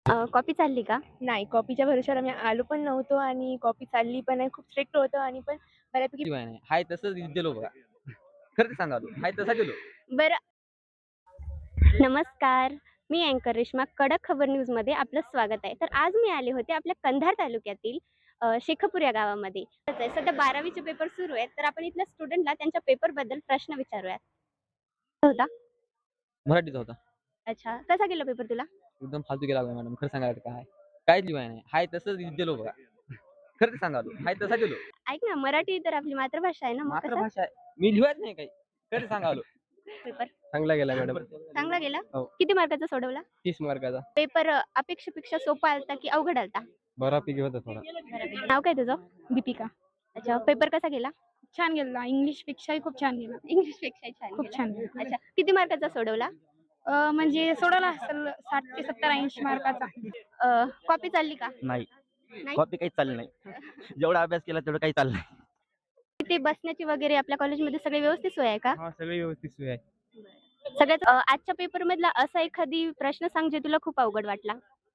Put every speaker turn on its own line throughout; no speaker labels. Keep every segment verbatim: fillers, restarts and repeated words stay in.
अ, copy चालली का?
नाही, कॉपीच्या भरोश्यावर आम्ही आलो पण नव्हतो आणि कॉपी चालली पण आहे. खूप स्ट्रिक्ट होतं आणि पण बऱ्यापैकी
शिवाय नाही. हाय तसंच गेलो बघा. खरं सांगालो. हाय तसा गेलो.
बरं. नमस्कार. मी अँकर रेश्मा. कडक खबर न्यूजमध्ये आपलं स्वागत आहे. तर आज मी आले होते आपल्या कंधार तालुक्यातील अ, शेखपूर या गावामध्ये. सध्या बारावीचे पेपर सुरू आहेत. तर आपण इथल्या स्टुडंटला त्यांच्या पेपरबद्दल प्रश्न विचारूयात. होता?
मराठीचा होता.
अच्छा. कसा गेला पेपर तुला?
एकदम फालतू गेला बघा मॅडम. खरं सांगायला काय? काहीच लिवाय नाही. हाय तसंच गेलो बघा. खरं सांगालो. हाय तसा गेलो.
ऐक ना, मराठी तर आपली मातृभाषा आहे ना, मग कसा
मातृभाषा आहे. मी लिहत नाही काही. खरं सांगालो.
पेपर?
चांगला गेला मॅडम.
चांगला गेला?
हो.
किती मार्काचा सोडवला?
तीस मार्काचा.
पेपर अ, अपेक्षेपेक्षा सोपा आलता की अवघड आलता?
बऱ्यापैकी होता थोडा.
नाव काय तुझं?
दीपिका.
अच्छा. पेपर कसा गेला?
छान गेला. इंग्लिशपेक्षाही खूप छान गेला.
इंग्लिशपेक्षाही छान
खूप
गेला.
छान गेला.
अच्छा. किती मार्काचा सोडवला?
अ, म्हणजे सोडवला असेल साठ ते सत्तर ऐंशी मार्काचा.
अ, कॉपी चालली का?
नाही.
नाही?
कॉपी काहीच चालली नाही. जेवढा अभ्यास केला तेवढं काही चाललं नाही.
तिथे बसण्याची वगैरे आपल्या कॉलेजमध्ये सगळी व्यवस्थित सोय आहे का?
हां, सगळी व्यवस्थित सोय आहे.
सगळ्यात अ, आजच्या पेपरमधला असा एखादी प्रश्न सांग जे तुला खूप अवघड वाटला?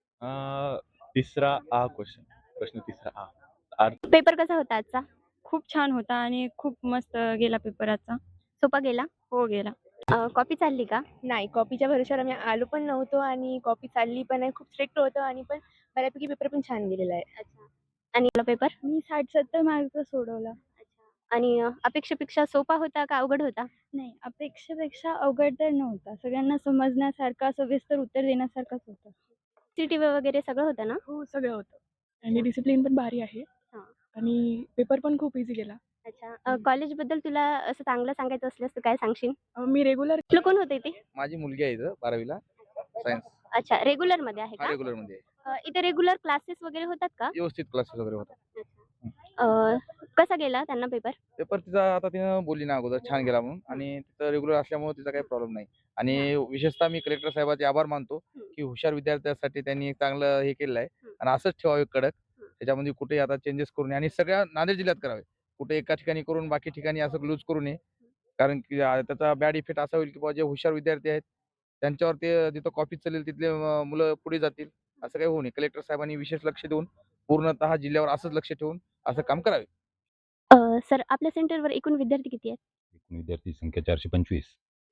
अ, तिसरा आ क्वेश्चन. प्रश्न तिसरा आ. अर्थ
पेपर कसा होता आजचा?
खूप छान होता आणि खूप मस्त गेला पेपर आजचा.
सोपा गेला?
हो गेला.
अ, कॉपी चालली का?
नाही, कॉपीच्या भरोश्यावर आम्ही आलो पण नव्हतो आणि कॉपी चालली पण आहे. खूप स्ट्रिक्ट होतं आणि पण बऱ्यापैकी पेपर पण छान गेलेला आहे.
अच्छा. आणि तुला पेपर?
मी साठ सत्तर मार्कचा सोडवला.
अच्छा. आणि अ, अपेक्षेपेक्षा सोपा होता का अवघड होता?
नाही, अपेक्षेपेक्षा अवघड तर नव्हता. सगळ्यांना समजण्यासारखा, सविस्तर उत्तर देण्यासारखाच होता.
सीईटी वगैरे सगळं होतं ना?
हो, सगळं होतं आणि डिसिप्लिन पण भारी आहे
हां.
आणि पेपर पण खूप ईझी गेला.
अच्छा. अ, कॉलेजबद्दल तुला असं चांगलं सांगायचं असल्यास तू काय सांगशील?
अ, मी रेग्युलर
तुला कोण होतं इथे?
माझी मुलगी आहे इथं बारावीला सायन्स.
अच्छा. रेग्युलरमध्ये आहे
हां,
का?
रेग्युलरमध्ये आहे.
अ, इथे रेग्युलर क्लासेस वगैरे होतात का?
व्यवस्थित क्लासेस वगैरे होतात.
अ, कसा गेला त्यांना पेपर?
पेपर तिचा आता तिनं बोलली ना अगोदर छान गेला म्हणून आणि तिथं रेग्युलर असल्यामुळे तिचा काही प्रॉब्लेम नाही. आणि विशेषतः मी कलेक्टर साहेबांचे आभार मानतो, की हुशार विद्यार्थ्यांसाठी त्यांनी एक चांगलं हे केलेलं आहे आणि असंच ठेवावे कडक. त्याच्यामध्ये कुठेही आता चेंजेस करू नये आणि सगळ्या नांदेड जिल्ह्यात करावे. कुठे एका ठिकाणी करून बाकी ठिकाणी असं लूज करू नये. कारण की अ, त्याचा बॅड इफेक्ट असा होईल, की बुवा जे हुशार विद्यार्थी आहेत, त्यांच्यावर ते जिथं कॉपी चालेल तिथले अ, मुलं पुढे जातील. असं काही होऊ नये. कलेक्टर साहेबांनी विशेष लक्ष देऊन पूर्णतः जिल्ह्यावर असंच लक्ष ठेवून असं काम करावे.
अ, सर आपल्या सेंटरवर एकूण विद्यार्थी किती आहेत?
एकूण विद्यार्थी संख्या चारशे पंचवीस.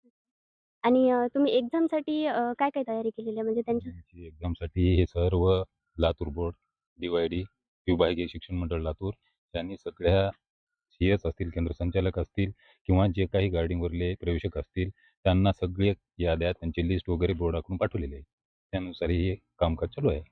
आणि अ, तुम्ही एक्झामसाठी अ, काय-काय तयारी केलेली आहे? म्हणजे त्यांच्या
आमची एक्झामसाठी हे सर्व लातूर बोर्ड, डी-वाय-डी, विभागीय शिक्षण मंडळ लातूर यांनी सगळ्या सी-एस असतील, केंद्र संचालक असतील किंवा जे काही गार्डिंगवरले प्रवेशक असतील, त्यांना सगळे याद्या, त्यांची लिस्ट वगैरे बोर्डाकडून पाठवलेली आहे. त्यानुसार हे कामकाज चालू आहे.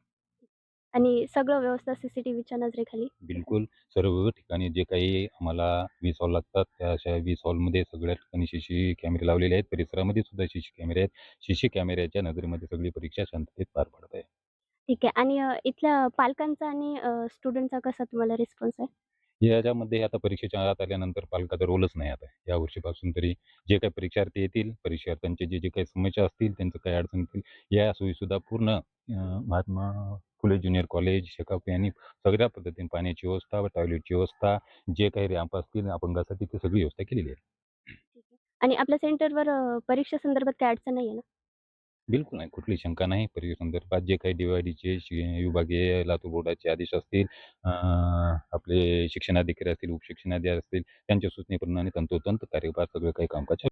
आणि सगळं व्यवस्था सीसीटीव्हीच्या नजरेखाली?
बिलकुल सर्व ठिकाणी जे काही आम्हाला वीस हॉल लागतात, त्या अशा वीस हॉलमध्ये सगळ्या ठिकाणी सीसी कॅमेरे लावलेले आहेत. परिसरामध्ये सुद्धा सीसी कॅमेरे आहेत. सीसी कॅमेऱ्याच्या नजरेमध्ये सगळी परीक्षा शांततेत पार पडत आहे.
ठीक आहे. आणि अ, इथल्या पालकांचा आणि अ, स्टुडंटचा कसा तुम्हाला रिस्पॉन्स आहे?
याच्यामध्ये आता परीक्षेच्या आत आल्यानंतर पालकाचा रोलच नाही आता. या वर्षीपासून तरी जे काही परीक्षार्थी येतील, परीक्षार्थ्यांचे जे, जे काही समस्या असतील, त्यांचं काही अडचण येतील, या सोयीसुद्धा पूर्ण अ, महात्मा फुले ज्युनियर कॉलेज, शेकाप यांनी सगळ्या पद्धतीने पाण्याची व्यवस्था, टॉयलेटची व्यवस्था, जे काही रॅम्प असतील अपंगासाठी ती सगळी व्यवस्था केलेली आहे.
ठीक आहे. आणि आपल्या सेंटरवर अ, परीक्षेसंदर्भात काही अडचण नाही आहे ना?
बिलकुल नाही. कुठलीही शंका नाही. परीक्षेसंदर्भात जे काही डी-वाय-डीचे शि विभागीय लातूर बोर्डाचे आदेश असतील, अ, आपले शिक्षणाधिकारी असतील, उपशिक्षणाधिकारी असतील, त्यांच्या सूचनेप्रमाणे तंतोतंत कार्यभार सगळं काही कामकाज